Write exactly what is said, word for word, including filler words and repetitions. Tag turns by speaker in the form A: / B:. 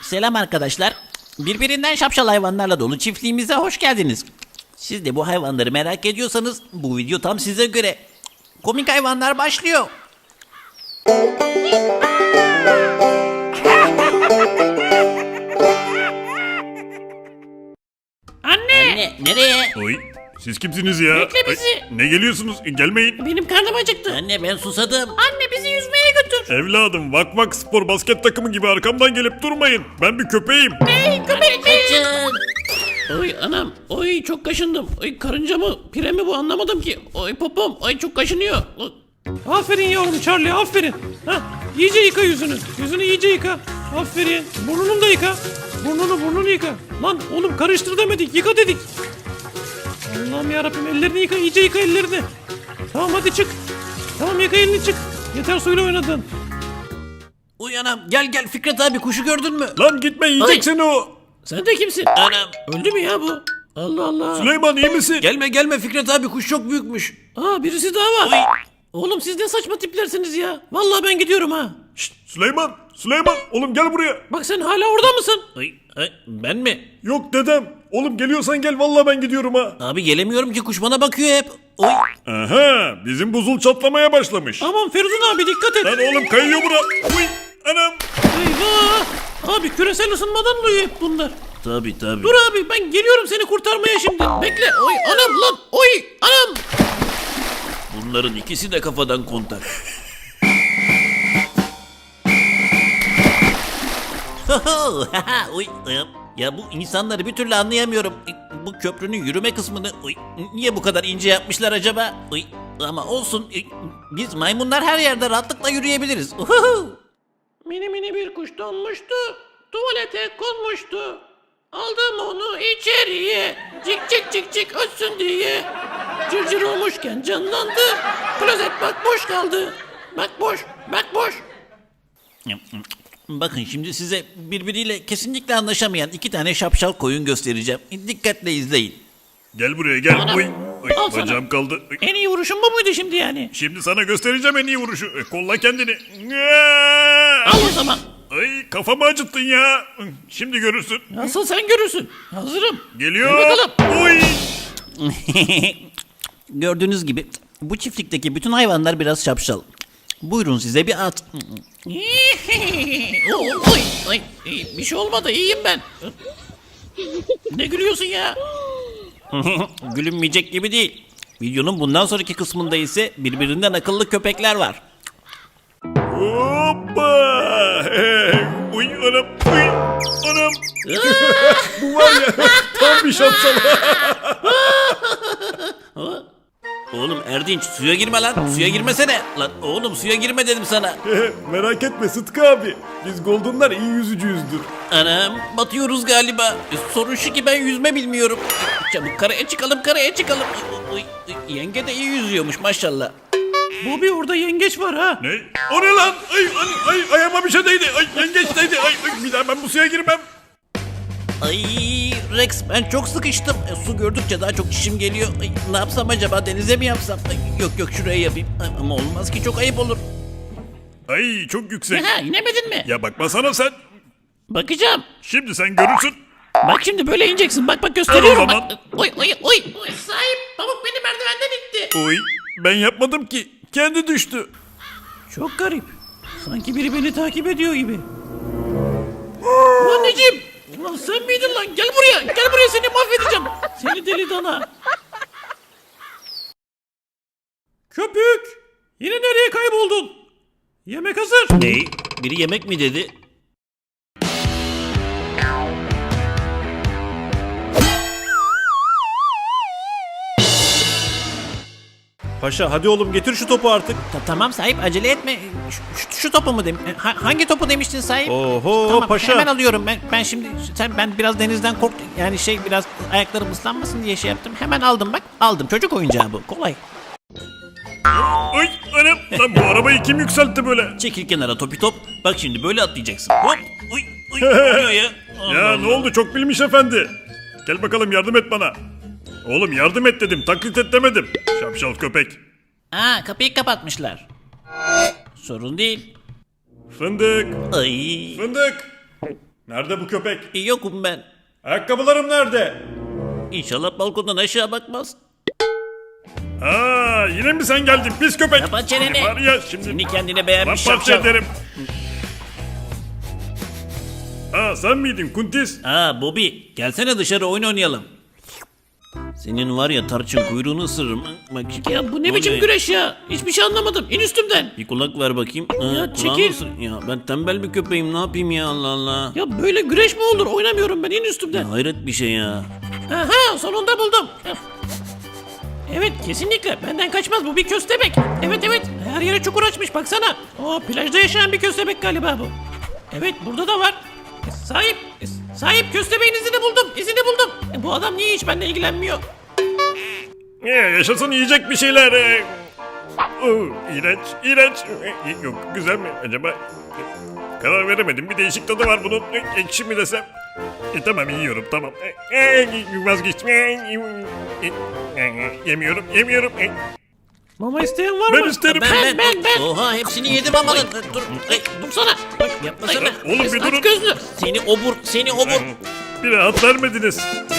A: Selam arkadaşlar. Birbirinden şapşal hayvanlarla dolu çiftliğimize hoş geldiniz. Siz de bu hayvanları merak ediyorsanız bu video tam size göre. Komik hayvanlar başlıyor.
B: Anne!
A: Anne nereye?
C: Oy, siz kimsiniz ya?
B: Bekle bizi.
C: Ay, ne geliyorsunuz? Gelmeyin.
B: Benim karnım acıktı.
A: Anne ben susadım.
B: Anne bizi yüzmeye götür.
C: Evladım, Vak Vak Spor basket takımı gibi arkamdan gelip durmayın. Ben bir köpeğim.
B: Hey köpek mi?
A: Kaçın.
B: Oy anam. Oy çok kaşındım. Oy karınca mı? Pire mi bu anlamadım ki. Oy popom. Oy çok kaşınıyor. Oy.
D: Aferin yavrum Charlie, aferin. Hah, iyice yıka yüzünü. Yüzünü iyice yıka. Aferin. Burnunu da yıka. Burnunu burnunu yıka. Lan oğlum karıştır demedik, yıka dedik. Allah'ım yarabbim, ellerini yıka, iyice yıka ellerini. Tamam hadi çık. Tamam yıka elini çık. Yeter suyla oynadın.
A: Uyanam gel gel Fikret abi kuşu gördün mü?
C: Lan gitme, yiyecek seni o.
B: Sen de kimsin?
A: Anam.
B: Öldü mü ya bu? Allah Allah.
C: Süleyman iyi misin?
A: Gelme gelme Fikret abi kuş çok büyükmüş.
B: Aa birisi daha var.
A: Oy.
B: Oğlum siz ne saçma tiplersiniz ya. Vallahi ben gidiyorum ha.
C: Şşt, Süleyman, Süleyman, oğlum gel buraya.
B: Bak sen hala orada mısın?
A: Ay, ay, ben mi?
C: Yok dedem. Oğlum geliyorsan gel, vallahi ben gidiyorum ha.
A: Abi gelemiyorum ki kuş bana bakıyor hep. Oy.
C: Aha, bizim buzul çatlamaya başlamış.
D: Aman Feridun abi dikkat et.
C: Lan oğlum kayıyor bura. Uy, anam.
D: Eyvah. Abi küresel ısınmadan oluyor hep bunlar.
A: Tabi tabi.
B: Dur abi ben geliyorum seni kurtarmaya şimdi. Bekle. Oy anam lan. Oy anam.
A: Bunların ikisi de kafadan kontak. Oy, ya bu insanları bir türlü anlayamıyorum. Bu köprünün yürüme kısmını oy, niye bu kadar ince yapmışlar acaba? Oy, ama olsun biz maymunlar her yerde rahatlıkla yürüyebiliriz.
B: Mini mini bir kuş donmuştu. Tuvalete konmuştu. Aldım onu içeriye. Cik cik cik cik ötsün diye. Cırcır olmuşken canlandı. Klozet bak boş kaldı. Bak boş, bak boş.
A: Bakın şimdi size birbiriyle kesinlikle anlaşamayan iki tane şapşal koyun göstereceğim. Dikkatle izleyin.
C: Gel buraya gel.
B: Anam.
C: Uy, uy,
B: Al sana.
C: bacağım kaldı. Uy.
B: En iyi vuruşun bu muydu şimdi yani?
C: Şimdi sana göstereceğim en iyi vuruşu. E, Kolla kendini.
B: Al o zaman.
C: Ay kafamı acıttın ya. Şimdi görürsün.
B: Nasıl sen görürsün. Hazırım.
C: Geliyor.
B: Dur bakalım.
C: Uy.
A: Gördüğünüz gibi bu çiftlikteki bütün hayvanlar biraz şapşal. Buyurun size bir at.
B: oy, oy, oy. Bir şey olmadı iyiyim ben. Ne gülüyorsun ya?
A: Gülünmeyecek gibi değil. Videonun bundan sonraki kısmında ise birbirinden akıllı köpekler var.
C: Hoppa. Hey. Uy anam. Uy anam. Bu var ya tam bir şapşal.
A: Oğlum Erdinç suya girme lan. Suya girmesene. Lan oğlum suya girme dedim sana.
C: Merak etme Sıtkı abi. Biz Golden'lar iyi yüzücüyüzdür.
A: Anam batıyoruz galiba. E, Sorun şu ki ben yüzme bilmiyorum. Çabuk karaya çıkalım karaya çıkalım. Uy, uy, Yenge de iyi yüzüyormuş maşallah.
D: Bobby orada yengeç var ha.
C: Ne? O ne lan? Ay, ay, ay ayağıma bir şey değdi. Ay yengeç değdi. Ay, ay bir daha ben bu suya girmem.
A: Ay Rex ben çok sıkıştım. E, su gördükçe daha çok çişim geliyor. Ay, ne yapsam acaba denize mi yapsam? Ay, yok yok şuraya yapayım. Ay, ama olmaz ki çok ayıp olur.
C: Ay çok yüksek.
B: Ha inemedin mi?
C: Ya bakmasana sen.
B: Bakacağım.
C: Şimdi sen görürsün.
B: Bak şimdi böyle ineceksin. Bak bak gösteriyorum.
C: Al o zaman.
B: Bak. Oy oy oy. Oy, sahip pamuk beni merdivenden itti.
C: Oy ben yapmadım ki. Kendi düştü.
D: Çok garip. Sanki biri beni takip ediyor gibi.
B: Anneciğim. Ulan sen miydin lan? Gel buraya. Gel buraya seni mahvedeceğim.
D: Seni deli dana. Köpük. Yine nereye kayboldun? Yemek hazır.
A: Ne? Biri yemek mi dedi?
D: Paşa hadi oğlum getir şu topu artık.
A: Ta- tamam sahip acele etme. Şu, şu, şu topu mu demiş? Hangi topu demiştin sahip?
D: Oho
A: Tamam
D: paşa.
A: hemen alıyorum ben. Ben şimdi sen ben biraz denizden korktum. Yani şey biraz ayaklarım ıslanmasın diye şey yaptım. Hemen aldım bak. Aldım. Çocuk oyuncağı bu. Kolay.
C: Ay anam. Lan bu arabayı kim yükseltti böyle?
A: Çekil kenara topi top. Bak şimdi böyle atlayacaksın. Hop. Uy uy. Ne oluyor ya? Allah
C: Ya
A: Allah.
C: ne oldu çok bilmiş efendi. Gel bakalım yardım et bana. Oğlum yardım et dedim, taklit et demedim. Şapşal köpek.
A: Aa kapıyı kapatmışlar. Sorun değil.
C: Fındık,
A: Ay.
C: fındık. Nerede bu köpek?
A: Yokum ben.
C: Ayakkabılarım nerede?
A: İnşallah balkondan aşağı bakmaz.
C: Aa, yine mi sen geldin pis köpek?
A: Kapat çeneni.
C: Seni Var ya şimdi.
A: Seni kendine beğenmiş
C: Paramparça
A: şapşal.
C: ederim. Aa, sen miydin Kuntis?
A: Aa Bobby gelsene dışarı oyun oynayalım. Senin var ya tarçın kuyruğunu ısırırım. Bak,
B: Ya bu ne biçim
A: oluyor?
B: güreş ya? Hiçbir şey anlamadım. İn üstümden.
A: Bir kulak ver bakayım. Aa,
B: Ya
A: kulağını
B: çekil.
A: ısır- Ya ben tembel bir köpeğim ne yapayım ya Allah Allah.
B: Ya böyle güreş mi olur? Oynamıyorum ben. İn üstümden.
A: Ya hayret bir şey ya.
B: Aha sonunda buldum. Evet kesinlikle benden kaçmaz bu bir köstebek. Evet evet her yere çukur açmış baksana. O plajda yaşayan bir köstebek galiba bu. Evet burada da var. E, Sahip, e, sahip köstebeğin izini buldum, izini buldum. E, bu adam niye hiç benimle ilgilenmiyor?
C: Ee, yaşasın yiyecek bir şeyler. Ee. Oo, iğrenç, iğrenç. Ee, Yok, güzel mi acaba? Karar veremedim. Bir değişik tadı var bunun. Ee, Ekşi mi desem? E, tamam yiyorum tamam. Ee, ee, vazgeçtim. Ee, ee, Yemiyorum, yemiyorum. Ee,
D: Mama isteyen var
C: Ben
D: mı?
C: isterim.
B: Ben, ben, ben.
A: Oha hepsini yedim ama lan. Dur.
B: Ay, dursana. Bak
A: Yapmasana.
C: Oğlum bir
B: aç
C: durun.
B: gözlü.
A: Seni obur, seni obur.
C: Bir rahat vermediniz.